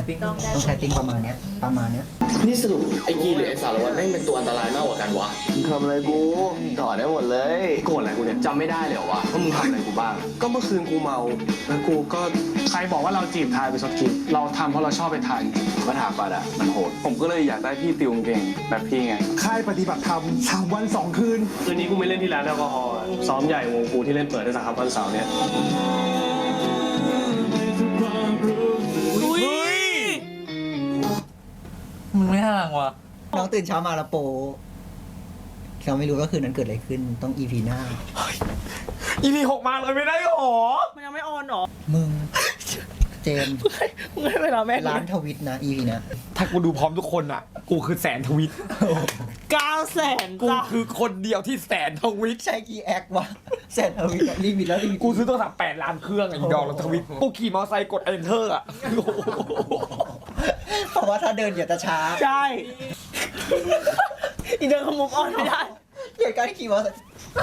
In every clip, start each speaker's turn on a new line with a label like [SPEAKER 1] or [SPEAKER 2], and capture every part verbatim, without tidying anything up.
[SPEAKER 1] ติ้ง
[SPEAKER 2] ต้องใช้ติ้งประมาณเนี้ยประมาณเนี้ย
[SPEAKER 3] นี่สรุปไอ้กีหรือไอ้สารวัตรแม่งเป็นตัวอันตรายมากกว่ากันวะ
[SPEAKER 4] มึงทำอะไรกูถอดได้หมดเลยโกรธอะไรกูเนี่ยจำไม่ได้เลยเหรอวะว่ามึงทำอะไรกูบ้าง ก็เมื่อคืนกูเมาแล้วกูก็ใครบอกว่าเราจีบทายไปสกิปเราทำเพราะเราชอบไปทายก็ถามปัดอ่ะมันโหดผมก็เลยอยากได้พี่ติวเก่งแบบพี่ไง
[SPEAKER 5] ค่ายปฏิบัติธรรมสามวันสองคืน
[SPEAKER 4] คืนนี้กูไม่เล่นที่ร้านแอลกอฮอล์ซ้อมใหญ่วงกูที่เล่นเปิดได้สักครับวันเสาร์เนี่ย
[SPEAKER 1] มึงไม่ห่างว่ะ
[SPEAKER 2] น้องตื่นเช้ามาแล้วโปเราไม่รู้ว่าคืนนั้นเกิดอะไรขึ้นต้อง อี พี หน้า
[SPEAKER 5] อี พี หกมาเลยไม่ได้หรอ
[SPEAKER 6] มันยังไม่ออนหรอ
[SPEAKER 2] มึงเจม
[SPEAKER 6] มึงให้เวลาแม่
[SPEAKER 2] ร้านทวิตนะ อี พี นะ
[SPEAKER 5] ถ้ากูดูพร้อมทุกคนอ่ะกูคือแสนทวิต
[SPEAKER 6] เก้าแสน
[SPEAKER 5] กูคือคนเดียวที่แสนทวิต
[SPEAKER 2] ใช่กี่แอควะแสนทวิตรีมิตแล้วรีมิต
[SPEAKER 5] กูซื้อโทรศัพท์แปดล้านเครื่องอ่ะอีดอกแล้วทวิตกูขี่มอเตอร์ไซค์กด enter อ่ะ
[SPEAKER 2] เพราะว่าถ้าเดินอย่าจะช้า
[SPEAKER 6] ใช่อีเดินขมุกออนไม่ได้
[SPEAKER 2] เหตุการณ์ขี่มอเตอร์ไซค์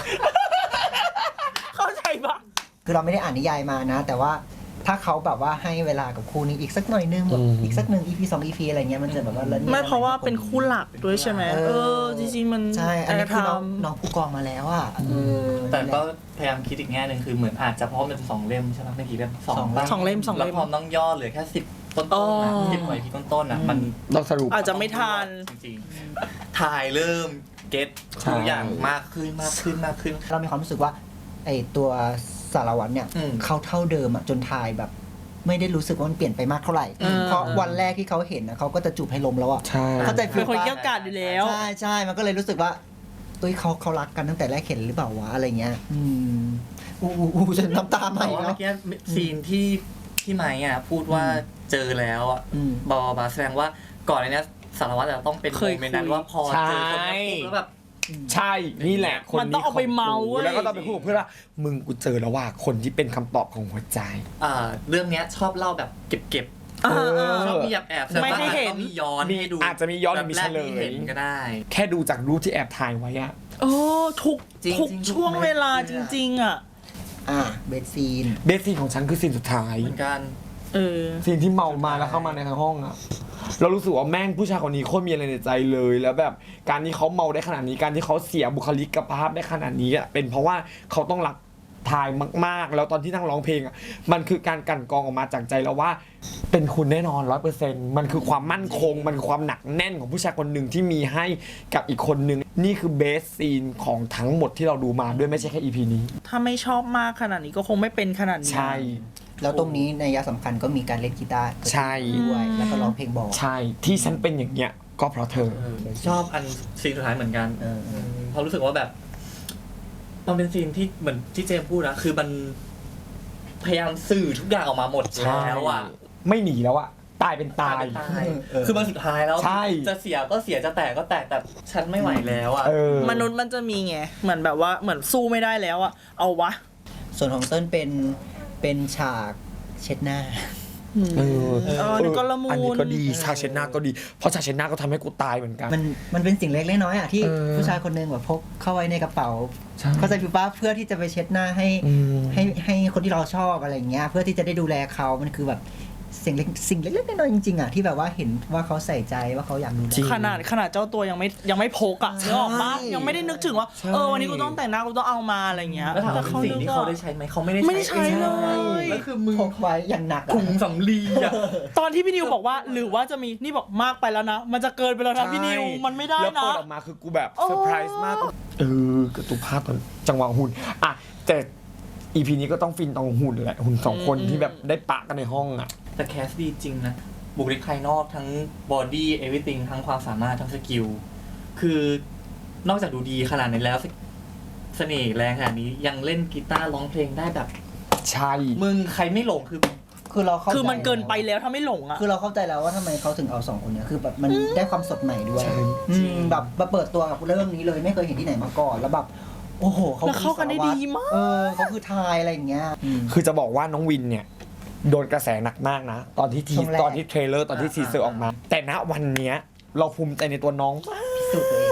[SPEAKER 6] เข้าใจปะ
[SPEAKER 2] คือเราไม่ได้อ่านนิยายมานะแต่ว่าถ้าเขาแบบว่าให้เวลากับคู่นี้อีกสักหน่อยนึงแบบอีกสักหนึ่ง อี พี สอง อี พี อะไรเงี้ยมันจะแบบว่า
[SPEAKER 6] ไม่เพราะว่าเป็นคู่หลักด้วยใช่ไหมเออจริงๆมัน
[SPEAKER 2] ใช่อันนี้คือน้องน้องผู้กองมาแล้วอ่ะ
[SPEAKER 1] แต่ก็พยายามคิดอีกแง่หนึ่งคือเหมือนอาจจะเพราะมันสองเล่มใช่ไหมไม่กี่เล่มสอง
[SPEAKER 6] สองเล่มสอง
[SPEAKER 1] เล่
[SPEAKER 6] เล่
[SPEAKER 1] มแล้วพอต้องย่อเหลือแค่สิบต้นๆนะสิบหน่วยที่ต้นๆอ่ะมัน
[SPEAKER 5] เราสรุป
[SPEAKER 6] อาจจะไม่ทัน
[SPEAKER 1] จริงๆถ่ายเริ่มเก็ตทุกอย่างมากขึ้นมากขึ้นมากขึ้น
[SPEAKER 2] เรามีความรู้สึกว่าไอตัวสารวัตรเนี่ยเขาเท่าเดิมอ่ะจนถ่ายแบบไม่ได้รู้สึกว่ามันเปลี่ยนไปมากเท่าไหร่เพราะวันแรกที่เขาเห็นนะเขาก็จะจูบให้ลมแล้วอ่ะ
[SPEAKER 5] เข้า
[SPEAKER 2] ใจ
[SPEAKER 6] เป็นคนเกี่ยวกาดอยู่แล้ว
[SPEAKER 2] ใช่ใช่มันก็เลยรู้สึกว่าเอ้ยเขาเขารักกันตั้งแต่แรกเห็นหรือเปล่าวะอะไรเงี้ยอืมอู้อู้จะน้ำตาไหล
[SPEAKER 1] เมื่อกี้ซีนที่ที่ไม้อ่ะพูดว่าเจอแล้วอ่ะบอบาแสดงว่าก่อนในนี้สารวัตรจะต้องเป็นโมเมนต์นั้นว่าพอเจอคนนี้แล้วแบบ
[SPEAKER 5] ใช่นี่แหละคน
[SPEAKER 6] นี้ต้องเอาไปเมา
[SPEAKER 5] แล้วก็ต้องไปพูดกับเพื่อนว่ามึงกูเจอแล้วว่าคนที่เป็นคำตอบของหัวใจ
[SPEAKER 1] อ่าเรื่องนี้ชอบเล่าแบบเก็บๆชอบมีแอบแอบ
[SPEAKER 6] ไม่ให้เห็น
[SPEAKER 1] มีย้อนให้ดู
[SPEAKER 5] อาจจะมีย้อนมีเฉลย
[SPEAKER 1] ก็ได้
[SPEAKER 5] แค่ดูจากรูปที่แอบถ่ายไว้อะ
[SPEAKER 6] โอ้ทุกทุกช่วงเวลาจริงๆอ่ะ
[SPEAKER 2] อ่าเบสซีน
[SPEAKER 5] เบสซีนของฉันคือซีนสุดท้าย
[SPEAKER 1] เหมือนกัน
[SPEAKER 6] เออ
[SPEAKER 5] ซีนที่เมามาแล้วเข้ามาในห้องอะเรารู้สึกว่าแม่งผู้ชายคนนี้โคตรมีอะไรในใจเลยแล้วแบบการที่เขาเมาได้ขนาดนี้การที่เขาเสียบุคลิกภาพได้ขนาดนี้อ่ะเป็นเพราะว่าเขาต้องรักทายมากๆแล้วตอนที่นั่งร้องเพลงอ่ะมันคือการกั่นกรองออกมาจากใจแล้วว่าเป็นคุณแน่นอน ร้อยเปอร์เซ็นต์ มันคือความมั่นคงมันคือความหนักแน่นของผู้ชายคนหนึ่งที่มีให้กับอีกคนหนึ่งนี่คือเบสซีนของทั้งหมดที่เราดูมาด้วยไม่ใช่แค่ อี พี นี้
[SPEAKER 6] ถ้าไม่ชอบมากขนาดนี้ก็คงไม่เป็นขนาดนี้
[SPEAKER 5] ใช่
[SPEAKER 2] แล้วตรงนี้ในยะสำคัญก็มีการเล่นกีตาร์
[SPEAKER 5] ใช่
[SPEAKER 2] ด้วยแล้วก็ร้องเพลงบอก
[SPEAKER 5] ใช่ที่ฉันเป็นอย่างเงี้ยก็เพราะเธอ
[SPEAKER 1] ชอบอันซีนสุดท้ายเหมือนกันเพราะรู้สึกว่าแบบมันเป็นซีนที่เหมือนที่เจมพูดนะคือมันพยายามสื่อทุกอย่างออกมาหมดแล้วอ่ะ
[SPEAKER 5] ไม่หนีแล้วอ่ะตายเป็นตาย
[SPEAKER 1] คือมันสุดท้ายแล้วจะเสียก็เสียจะแตกก็แตกแต่ฉันไม่ไหวแล้วอ่ะ
[SPEAKER 6] มนุษย์มันจะมีไงเหมือนแบบว่าเหมือนสู้ไม่ได้แล้วอ่ะเอาวะ
[SPEAKER 2] ส่วนของเต้นเป็นเป็นฉากเช็ดหน้า
[SPEAKER 5] เออ
[SPEAKER 6] อันนี้ก็ละมุน
[SPEAKER 5] อันนี้ก็ดีฉากเช็ดหน้าก็ดีเพราะฉากเช็ดหน้าก็ทำให้กูตายเหมือนกัน
[SPEAKER 2] มันมันเป็นสิ่งเล็กน้อยอ่ะที่ผู้ชายคนนึงแบบพกเข้าไว้ในกระเป๋าเข้าใจพี่ป้าเพื่อที่จะไปเช็ดหน้าให้ให้ให้คนที่เราชอบอะไรเงี้ยเพื่อที่จะได้ดูแลเขามันคือแบบสิ่งเล็กสิ่งเล็กๆน้อยๆจริงๆอ่ะที่แบบว่าเห็นว่าเขาใส่ใจว่าเขาอยากดูแล
[SPEAKER 6] ขนาดขนาดเจ้าตัวยังไม่ยังไม่พกอ่ะนึกออกปะยังไม่ได้นึกถึงว่าเออวันนี้กูต้องแต่งหน้ากูต้องเอามาอะไรเงี้ย
[SPEAKER 1] แต่เขาสิ่งที่เขาได้ใช้ไหมเขาไม่ได้
[SPEAKER 6] ไม่ได้ใช้เลย
[SPEAKER 1] แล้วคือมึง
[SPEAKER 2] พกไว้อย่างหนัก
[SPEAKER 1] ถุงสำลีอ่ะ
[SPEAKER 6] ตอนที่พี่นิวบอกว่าหรือว่าจะมีนี่บอกมากไปแล้วนะมันจะเกินไปแล้วนะพี่นิวมันไม่ได้นะ
[SPEAKER 5] แล้วเปิดออกมาคือกูแบบเซอร์ไพรส์มากเออกระตุกภาพตอนจังหวะหุ่นอ่ะแต่อีพีนี้ก็ต้องฟินตรงหุ่นแหละหุ่นสองคนที่แบบได้ปะกันในห้องอ่ะ
[SPEAKER 1] แต่แคสดีจริงนะบุคลิกภายนอกทั้งบอดี้เอวิติงทั้งความสามารถทั้งสกิลคือนอกจากดูดีขนาดนี้แล้วเสน่ห์แรงขนาดนี้ยังเล่นกีตาร์ร้องเพลงได้แบบ
[SPEAKER 5] ใช่
[SPEAKER 1] มึงใครไม่หลงคือ
[SPEAKER 2] คือเรา
[SPEAKER 6] คือมันเกินไปแล้วถ้าไม่หลงอ่ะ
[SPEAKER 2] คือเราเข้าใจแล้วว่าทำไมเขาถึงเอาสองคนนี้คือแบบมันได้ความสดใหม่ด้วยแบบมาเปิดตัวกับเรื่องนี้เลยไม่เคยเห็นที่ไหนมาก่อนแล้วแบบโอ้โหเขา
[SPEAKER 6] เข้ากันได้ดีมาก
[SPEAKER 2] เออเขาคือทายอะไรอย่างเงี้ย
[SPEAKER 5] คือจะบอกว่าน้องวินเนี่ยโดนกระแสหนักมากนะตอนที่ทีตอนที่เทรลเลอร์ตอนที่ทีเซอร์ออกมาแต่ณวันเนี้ยเราภูมิใจในตัวน้องมาก
[SPEAKER 2] พิสูจน์ตัวเอง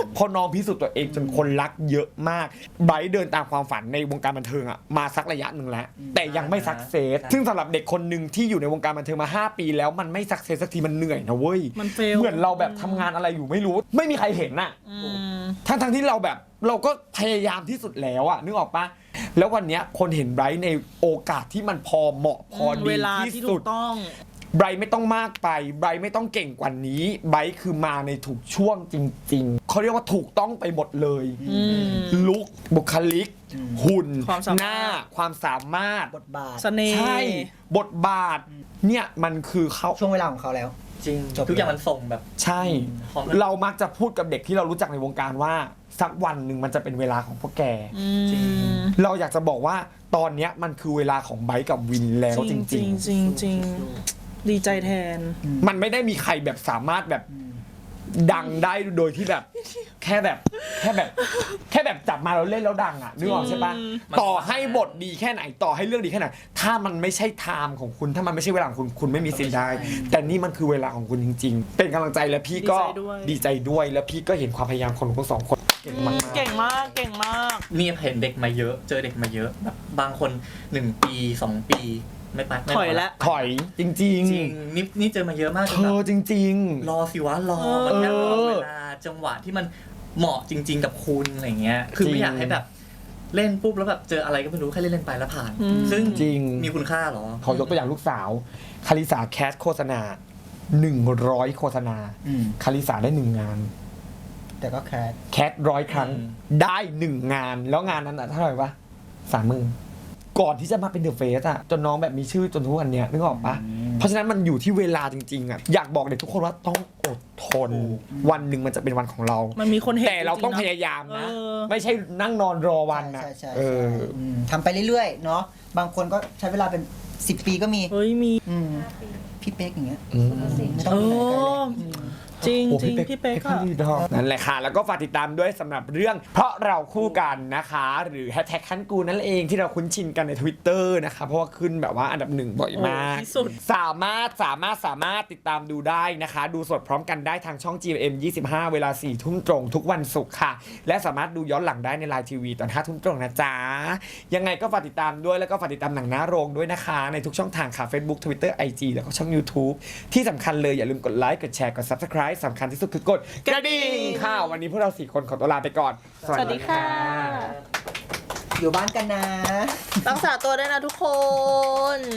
[SPEAKER 5] เพราะน้องพิสูจน์ตัวเองจนคนรักเยอะมากไบรท์เดินตามความฝันในวงการบันเทิงอะมาสักระยะหนึ่งแล้ว แต่ยังไม่สักเซสซึ่งสำหรับเด็กคนหนึ่งที่อยู่ในวงการบันเทิงมาห้าปีแล้วมันไม่สักเซสสักทีมันเหนื่อยนะเว้ย
[SPEAKER 6] มัน fail
[SPEAKER 5] เหมือนเราแบบทำงานอะไรอยู่ไม่รู้ ไม่มีใครเห็นน่ะ
[SPEAKER 6] อืม
[SPEAKER 5] ทั้งทั้งที่เราแบบเราก็พยายามที่สุดแล้วอะนึกออกปะแล้ววันเนี้ยคนเห็นไบรท์ในโอกาสที่มันพอเหมาะพอดี
[SPEAKER 6] เวลา
[SPEAKER 5] ที่
[SPEAKER 6] ที่
[SPEAKER 5] สุ
[SPEAKER 6] ถู
[SPEAKER 5] ด
[SPEAKER 6] กต้อง
[SPEAKER 5] ไบรท์ไม่ต้องมากไปไบรท์ไม่ต้องเก่งกว่านี้ไบรท์คือมาในถูกช่วงจริงๆเขาเรียกว่าถูกต้องไปหมดเลย
[SPEAKER 6] อืม
[SPEAKER 5] ลุคบุคลิก หุ่น
[SPEAKER 6] ความสามารถ
[SPEAKER 5] หน้าความสามารถ
[SPEAKER 2] บทบาท
[SPEAKER 6] เสน่ห์
[SPEAKER 5] ใช่บทบาทเนี่ยมันคือเขา
[SPEAKER 2] ช่วงเวลาของเขาแล้ว
[SPEAKER 1] จริง
[SPEAKER 2] จบ
[SPEAKER 1] ทุกอย่างมันส่งแบบ
[SPEAKER 5] ใช่
[SPEAKER 1] ของ
[SPEAKER 5] เรามักจะพูดกับเด็กที่เรารู้จักในวงการว่า สักวันหนึ่งมันจะเป็นเวลาของพวกแก
[SPEAKER 6] อืม
[SPEAKER 5] เราอยากจะบอกว่าตอนเนี้ยมันคือเวลาของไบค์กับวินแล้วจ
[SPEAKER 6] จริงจ
[SPEAKER 5] ริ
[SPEAKER 6] ริ
[SPEAKER 5] ง
[SPEAKER 6] งจริงจริงดีใจแทน
[SPEAKER 5] ๆ มันไม่ได้มีใครแบบสามารถแบบดังได้โดยที่แบบ แค่แบบแค่แบบ แค่แบบจับมาแล้วเล่นแล้วดังอ่ะนึกออกใช่ปะ
[SPEAKER 6] อืม
[SPEAKER 5] ต่อให้บทดีแค่ไหนต่อให้เรื่องดีแค่ไหนถ้ามันไม่ใช่ไทม์ของคุณ ถ้ามันไม่ใช่เวลาของคุณคุณไม่มีสิทธิ์ได้ แต่นี่มันคือเวลาของคุณจริง ๆ เป็นกำลังใจและพี่ก็
[SPEAKER 6] ดีใจด้วย
[SPEAKER 5] ดีใจด้วยแล้วพี่ก็เห็นความพยายามของทั้งสองคนเก่งมากๆ
[SPEAKER 6] เก่งมากเก่งมาก
[SPEAKER 1] นี่เห็นเด็กมาเยอะ เจอเด็กมาเยอะแบบบางคนหนึ่งปีสองปีไม่ไปไม่
[SPEAKER 6] ถอยแล้ว
[SPEAKER 5] ถอยจริง
[SPEAKER 1] จริงนี่นี่เจอมาเยอะมาก
[SPEAKER 5] ๆ
[SPEAKER 1] จ
[SPEAKER 5] เธ
[SPEAKER 1] นแบ
[SPEAKER 5] อบ จริง
[SPEAKER 1] รอสิวะรอมันแค่รอ
[SPEAKER 5] เออ
[SPEAKER 1] เวลาจังหวะที่มันเหมาะจริง ๆ กับคุณอะไรเงี้ย คือ
[SPEAKER 5] จริ
[SPEAKER 1] ไม่
[SPEAKER 5] ง
[SPEAKER 1] อยากให้แบบเล่นปุ๊บแล้วแบบเจออะไรก็ไม่รู้แค่เล่นเล่นๆไปแล้วผ่าน
[SPEAKER 6] อืม
[SPEAKER 1] ซึ่ง
[SPEAKER 5] จริง
[SPEAKER 1] มีคุณค่าเหรอ
[SPEAKER 5] ๆขอยกตัวอย่างลูกสาวคาริสาแคสโฆษณาหนึ่งร้อยโฆษณา
[SPEAKER 2] อืม
[SPEAKER 5] คาริสาได้หนึ่งงาน
[SPEAKER 2] แต่ก็แคส
[SPEAKER 5] แคสร้อยครั้ง
[SPEAKER 1] อืม
[SPEAKER 5] ได้หนึ่งงานแล้วงานนั้นอะเท่าไหร่ปะสามหมื่นก่อนที่จะมาเป็นเดอะเฟสอะจนน้องแบบมีชื่อจนทุกวันเนี้ยนึกออกปะเพราะฉะนั้นมันอยู่ที่เวลาจริงๆอะอยากบอกเด็กทุกคนว่าต้องอดทน วันหนึ่งมันจะเป็นวันของเรา
[SPEAKER 6] มันมีคนเห็น
[SPEAKER 5] แต่เราต้อง
[SPEAKER 6] จ
[SPEAKER 5] พ
[SPEAKER 6] งๆนะ
[SPEAKER 5] ยายามนะ
[SPEAKER 6] เออ
[SPEAKER 5] ไม่ใช่นั่งนอนรอวันนะ
[SPEAKER 2] ใช่ใช่
[SPEAKER 5] เอ
[SPEAKER 2] ใช่
[SPEAKER 5] อ
[SPEAKER 2] อืมทำไปเรื่อยๆ เนาะบางคนก็ใช้เวลาเป็นสิบปีก็มี
[SPEAKER 6] เฮ้ยมี
[SPEAKER 2] อืมพี่เป๊กอย่างเงี้ย
[SPEAKER 5] อืม
[SPEAKER 2] ไม่ต้องดูไหนไกลเลย
[SPEAKER 6] เออ
[SPEAKER 2] อืม
[SPEAKER 6] จริง
[SPEAKER 5] โอ้
[SPEAKER 6] จริงพี่เป๊ก
[SPEAKER 5] ก็
[SPEAKER 6] อะ
[SPEAKER 5] ดีดอกนั่นแหละค่ะ แล้วก็ฝากติดตามด้วยสำหรับเรื่อง เพราะเราคู่กันนะคะ หรือแฮชแท็กคันกูนั่นเองที่เราคุ้นชินกันใน Twitter นะคะเพราะว่าขึ้นแบบว่าอันดับหนึ่งบ่อยมาก
[SPEAKER 6] โอ้ที่สุด
[SPEAKER 5] สามารถสามารถสามารถติดตามดูได้นะคะ ดูสดพร้อมกันได้ทางช่อง จี เอ็ม ยี่สิบห้า เวลาสี่ทุ่มตรงทุกวันศุกร์ค่ะ และสามารถดูย้อนหลังได้ในไลน์ทีวีตอนห้าทุ่มตรงนะจ๊ะยังไงก็ฝากติดตามด้วยแล้วก็ฝากติดตามหนังหน้าโรงด้วยนะคะในทุกช่องทางค่ะ Facebook Twitter ไอ จี แล้วก็ช่อง YouTube ที่สำคัญเลยอย่าลืมกดไลค์กดแชร์กด Subscribe สำคัญที่สุดคือกดกระดิ่งค่ะ วันนี้พวกเราสี่คนขอตัวลาไปก่อน
[SPEAKER 6] สวัสดีค่ะ
[SPEAKER 2] อยู่บ้านกันนะ
[SPEAKER 6] รักษาตัวด้วยนะทุกคน